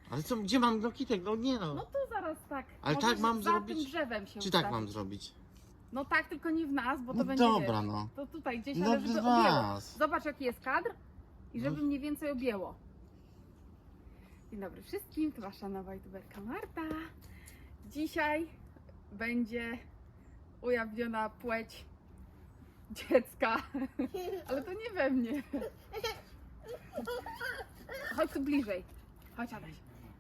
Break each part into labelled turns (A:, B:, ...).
A: Ale co, gdzie mam do kitek? No nie no.
B: No to zaraz tak.
A: Ale
B: możesz
A: tak mam
B: za
A: zrobić?
B: tym drzewem się
A: Czy tak
B: ustawić.
A: mam zrobić?
B: No tak, tylko nie w nas, bo to
A: No
B: będzie,
A: dobra,
B: wiesz,
A: no.
B: to tutaj gdzieś,
A: No
B: ale żeby
A: w
B: objęło.
A: was.
B: Zobacz jaki jest kadr i żeby
A: No.
B: mniej więcej objęło. Dzień dobry wszystkim, to wasza nowa youtuberka Marta. Dzisiaj będzie ujawniona płeć dziecka, ale to nie we mnie. Chodź tu bliżej. Chodź Adaś.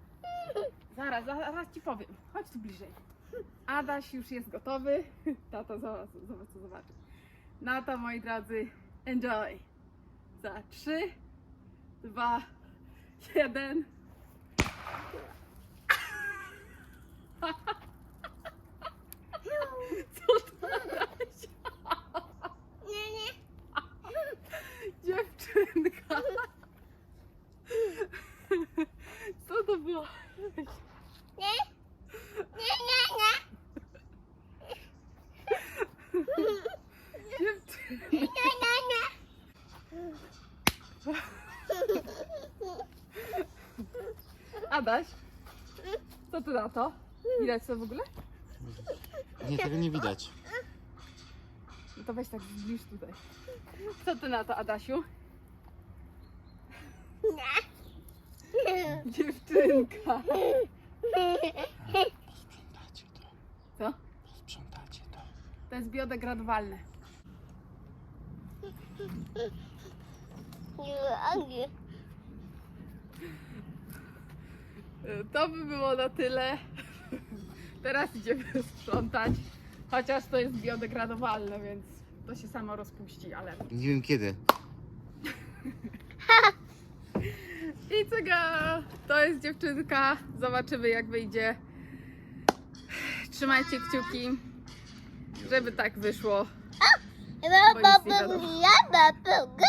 B: Zaraz ci powiem. Chodź tu bliżej. Adaś już jest gotowy. Tato, zobacz co zobaczy. No to moi drodzy, enjoy. Za 3, 2, 1. Co to Adaś? Dziewczynka. Co to było? Dziewczynka. Adaś, co ty na to? Widać to w ogóle?
A: Nie, tego nie widać.
B: No to weź tak zbliż tutaj. Co ty na to, Adasiu? Dziewczynka.
A: Posprzątacie to.
B: Co?
A: Posprzątacie to.
B: To jest biodegradowalne. To by było na tyle. Teraz idziemy sprzątać. Chociaż to jest biodegradowalne, więc to się samo rozpuści, ale...
A: Nie wiem kiedy.
B: I cyga! To jest dziewczynka. Zobaczymy jak wyjdzie. Trzymajcie kciuki, żeby tak wyszło. Bo nic nie wiadomo.